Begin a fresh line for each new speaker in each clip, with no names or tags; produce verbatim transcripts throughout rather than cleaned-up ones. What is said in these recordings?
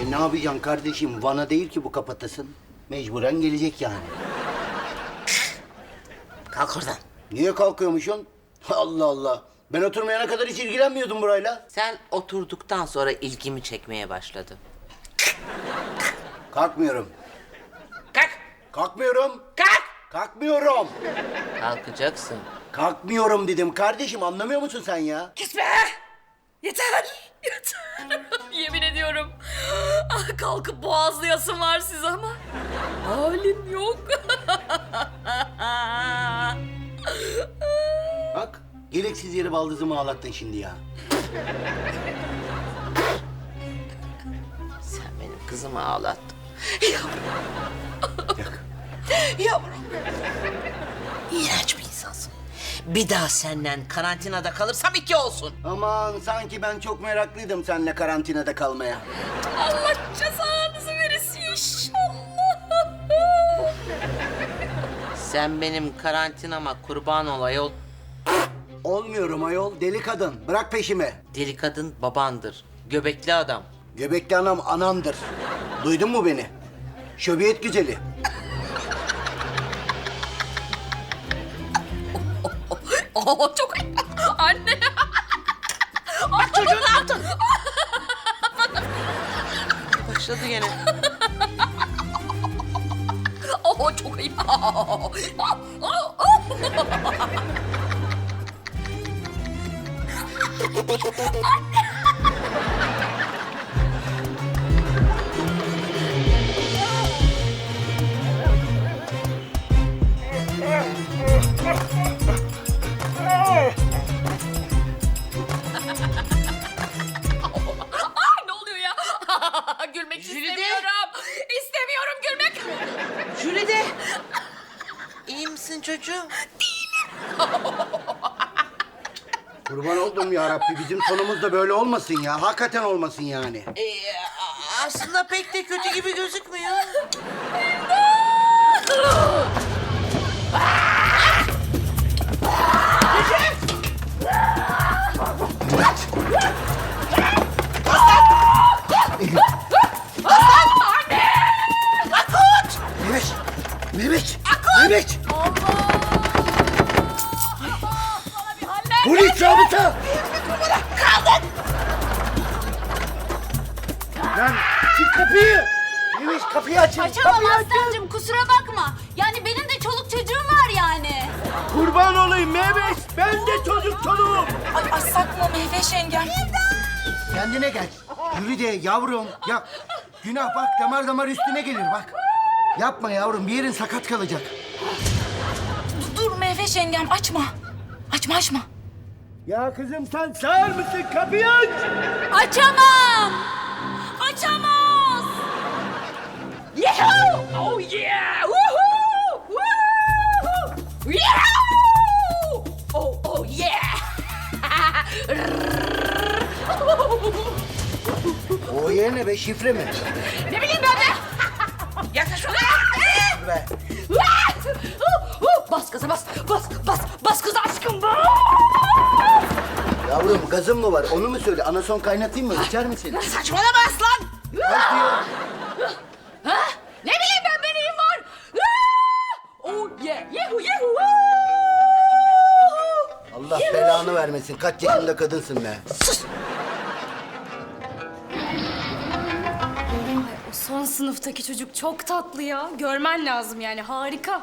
E ne yapacaksın kardeşim? Van'a değil ki bu kapatasın. Mecburen gelecek yani.
Kalk oradan.
Niye kalkıyormuşsun? Allah Allah. Ben oturmayana kadar hiç ilgilenmiyordum burayla.
Sen oturduktan sonra ilgimi çekmeye başladı.
Kalkmıyorum.
Kalk.
Kalkmıyorum.
Kalk.
Kalkmıyorum.
Kalkacaksın.
Kalkmıyorum dedim kardeşim. Anlamıyor musun sen ya?
Kes be! Yeter! Yeter! Yemin ediyorum. Ah, kalkıp boğazlayasım var size ama halim yok.
Bak, gereksiz yere baldızımı ağlattın şimdi ya.
Sen benim kızımı ağlattın.
Yak.
Yavrum. İğrenç bir insansın. Bir daha senden karantinada kalırsam iki olsun.
Aman sanki ben çok meraklıydım seninle karantinada kalmaya.
Allah cezanızı verirsin inşallah.
Sen benim karantinama kurban ol ayol.
Olmuyorum ayol, deli kadın. Bırak peşimi.
Deli kadın babandır. Göbekli adam.
Göbekli anam anamdır. Duydun mu beni? Şöbiyet güzeli.
Oh, çok anne.
Bak çocuğu ne yaptın? Başladı gene.
Oh, çok ayıp. Ay, ne oluyor ya? Gülmek
Jülide.
istemiyorum. İstemiyorum gülmek.
Jülide. İyi misin çocuğum?
Kurban oldum ya Rabbi. Bizim sonumuz da böyle olmasın ya. Hakikaten olmasın yani.
Ee, aslında pek de kötü gibi gözükmüyor.
Mehmet! Mehmet! Mehmet! Polis zabıta! Lan çık kapıyı! Mehmet kapıyı açın!
Açamam
kapıyı açın!
Aslancığım, kusura bakma. Yani benim de çoluk çocuğum var yani.
Kurban olayım Mehmet! Ben de çocuk çoluğum!
Ay, ay sakma Mehveş yengem.
Kendine gel. Yürü de yavrum. Ya günah bak damar damar üstüne gelir bak. Yapma yavrum bir yerin sakat kalacak.
Dur Mehveş yengem, açma. Açma açma.
Ya kızım sen sağır mısın? Kapıyı aç!
Açamam. Açamaz.
Yahoo! Oh yeah! Woohoo! Woohoo! Yahoo! Oh oh yeah!
O yerine be şifre mi?
Ne bileyim ben de. Yaklaş şuraya.
Be.
Bas gaza bas. Bas bas bas kız aşkım bas.
Yavrum gazın mı var? Onu mu söyle? Anason kaynatayım mı? İçer misin?
Saçmalama aslan.
Bak diyor.
Ha? Ne bileyim ben benim var. Oh yeah! Yahoo yahoo!
Allah belanı vermesin. Kaç yaşında kadınsın be.
O son sınıftaki çocuk çok tatlı ya. Görmen lazım yani, harika.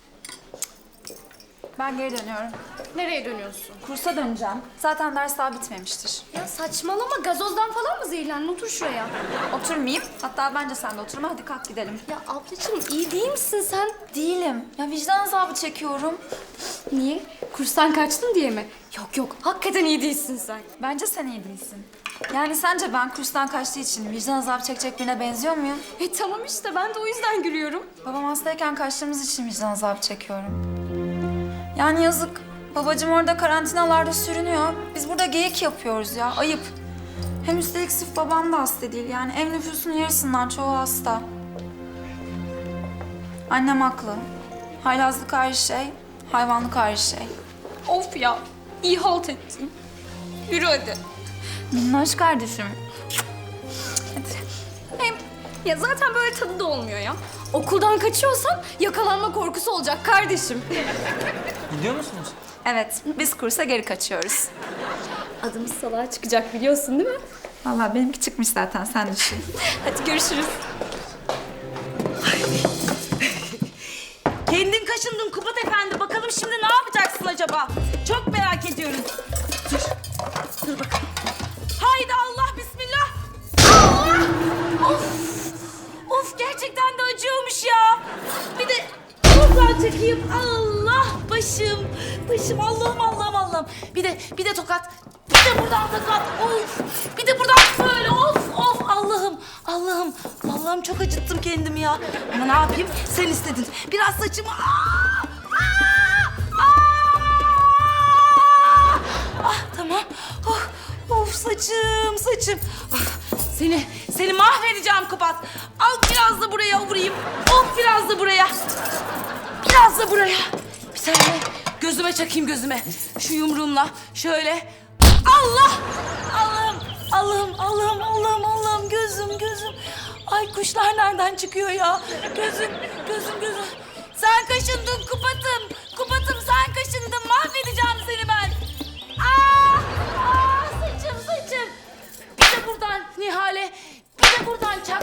Ben geri dönüyorum.
Nereye dönüyorsun?
Kursa döneceğim. Zaten ders daha bitmemiştir.
Ya saçmalama, gazozdan falan mı zehirlendin? Otur şuraya.
Oturmayayım. Hatta bence sen de oturma. Hadi kalk gidelim.
Ya ablacığım, iyi değil misin sen?
Değilim. Ya vicdan azabı çekiyorum.
Niye? Kurstan kaçtın diye mi? Yok yok, hakikaten iyi değilsin sen.
Bence sen iyi değilsin. Yani sence ben kurstan kaçtığı için vicdan azabı çekecek birine benziyor muyum?
E tamam işte, ben de o yüzden gülüyorum.
Babam hastayken kaçtığımız için vicdan azabı çekiyorum. Yani yazık. Babacığım orada karantinalarda sürünüyor. Biz burada geyik yapıyoruz ya. Ayıp. Hem üstelik sırf babam da hasta değil. Yani ev nüfusunun yarısından çoğu hasta. Annem haklı. Haylazlık ayrı şey, hayvanlık ayrı şey.
Of ya, iyi halt ettin. Yürü hadi.
Minnoş kardeşim. Hadi. Hem
Ya zaten böyle tadı da olmuyor ya. Okuldan kaçıyorsan yakalanma korkusu olacak kardeşim.
Gidiyor musunuz?
Evet, biz kursa geri kaçıyoruz.
Adımız salağa çıkacak biliyorsun değil mi?
Vallahi benimki çıkmış zaten, sen düşün.
Hadi görüşürüz.
Kendin kaşındın Kubat Efendi. Bakalım şimdi ne yapacaksın acaba? Çok merak ediyorum. Dur. Dur bakalım. Haydi Allah bismillah. Allah! Of! Of gerçekten de acıyormuş ya. Bir de buradan çekeyim. Allah başım. Başım Allah'ım Allah'ım Allah'ım. Bir de bir de tokat. Bir de buradan tokat. Of. Bir de buradan böyle of of Allah'ım. Allah'ım. Allah'ım çok acıttım kendimi ya. Ama ne yapayım? Sen istedin. Biraz saçımı. Aa! Aa! Aa! Ah tamam. Oh, of saçım saçım. Ah, seni seni mahvedeceğim Kubat. Al biraz da buraya vurayım. Of biraz da buraya. Biraz da buraya. Bir saniye. Gözüme çakayım gözüme. Şu yumruğumla şöyle. Allah! Allah'ım, Allah'ım, Allah'ım, Allah'ım, Allah'ım. Gözüm, gözüm. Ay kuşlar nereden çıkıyor ya? Gözüm, gözüm, gözüm. Sen kaşındın Kubat'ım. Kubat'ım sen kaşındın. Mahvedeceğim seni ben. Aa! Aa! Saçım, saçım. Bir de buradan Nihale. Bir de buradan çak.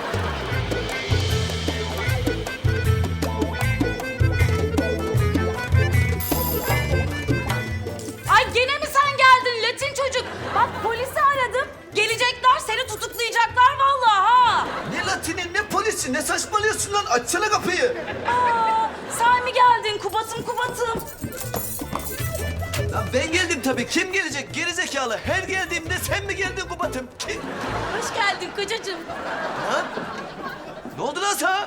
Ay gene mi sen geldin Latin çocuk? Bak polisi aradım. Gelecekler seni tutuklayacaklar vallahi ha.
Ne Latini ne polisi ne saçmalıyorsun lan? Açsana kapıyı.
Aa, sen mi geldin Kubat'ım Kubat'ım?
Lan ben geldim tabii. Kim gelecek? Gerizekalı. Her geldiğimde sen mi geldin Kubat'ım? Kim?
Hoş geldin kocacığım.
Lan? Ne oldu lan sana?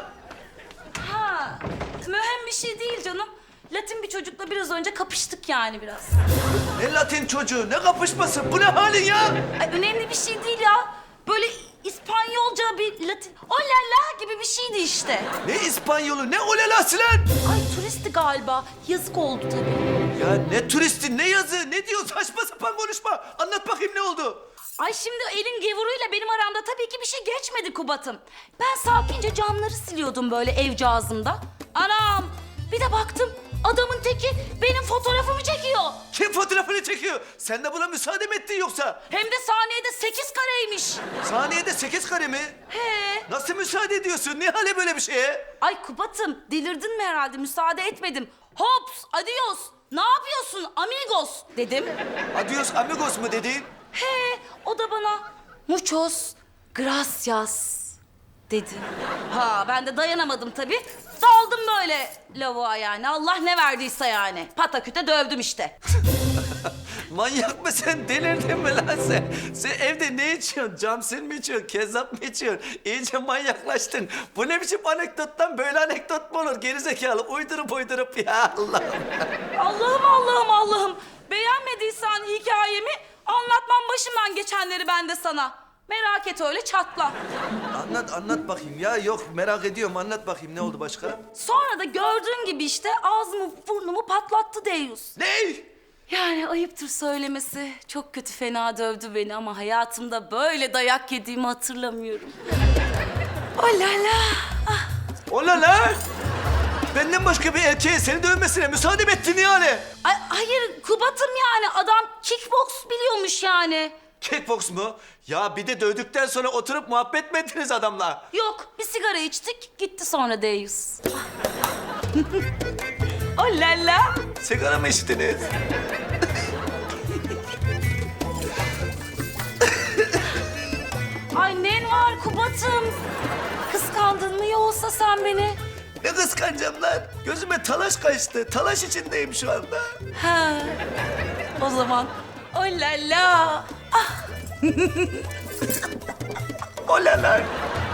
Ha, mühim bir şey değil canım. Latin bir çocukla biraz önce kapıştık yani biraz.
Ne Latin çocuğu? Ne kapışması? Bu ne halin ya?
Ay önemli bir şey değil ya. Böyle İspanyolca bir Latin... O la la gibi bir şeydi işte.
Ne İspanyolu? Ne olelası lan?
Ay turisti galiba. Yazık oldu tabii.
Ya ne turisti, ne yazı, ne diyor? Saçma sapan konuşma. Anlat bakayım ne oldu?
Ay şimdi elin gevuruyla benim aramda tabii ki bir şey geçmedi Kubat'ım. Ben sakince camları siliyordum böyle evcağızımda. Anam bir de baktım adamın teki benim fotoğrafımı çekiyor.
Kim fotoğrafını çekiyor? Sen de buna müsaade mi ettin yoksa?
Hem de saniyede sekiz kareymiş.
Saniyede sekiz kare mi?
He.
Nasıl müsaade ediyorsun? Ne hale böyle bir şeye?
Ay Kubat'ım delirdin mi herhalde müsaade etmedim. Hops adios ne yapıyorsun amigos dedim.
Adios amigos mu dedin?
He o da bana muchos gracias dedi. Ha ben de dayanamadım tabii. Daldım böyle lavuğa yani. Allah ne verdiyse yani. Pataküte dövdüm işte.
Manyak mısın? Delirdin mi lan sen? Sen evde ne içiyorsun? Camsil mi içiyorsun? Kezzap mı içiyorsun? İyice manyaklaştın. Bu ne biçim anekdottan böyle anekdot mu olur? Gerizekalı uydurup uydurup ya Allah.
Allah'ım Allah'ım Allah'ım. Beğenmediysen hikayemi anlatmam başımdan geçenleri ben de sana. Merak et öyle çatla.
Anlat anlat bakayım ya. Yok merak ediyorum. Anlat bakayım ne oldu başka?
Sonra da gördüğün gibi işte ağzımı burnumu patlattı Deyus.
Ne?
Yani ayıptır söylemesi. Çok kötü fena dövdü beni ama hayatımda böyle dayak yediğimi hatırlamıyorum. Oh la la. Ah.
Ola lan! Benden başka bir erkeğe seni dövmesine müsaade mi ettin yani?
Ay, hayır Kubat'ım yani adam kickbox biliyormuş yani.
Kickbox mu? Ya bir de dövdükten sonra oturup muhabbet mi ettiniz adamla?
Yok bir sigara içtik gitti sonra Deyus. Oh la la.
Sigara mı içtiniz?
Ay nen var Kubat'ım. Kıskandın mı yoksa sen beni?
Ne kıskanacağım lan? Gözüme talaş kaçtı. Talaş içindeyim şu anda.
Ha. O zaman oh la la. Ah.
Ola lan!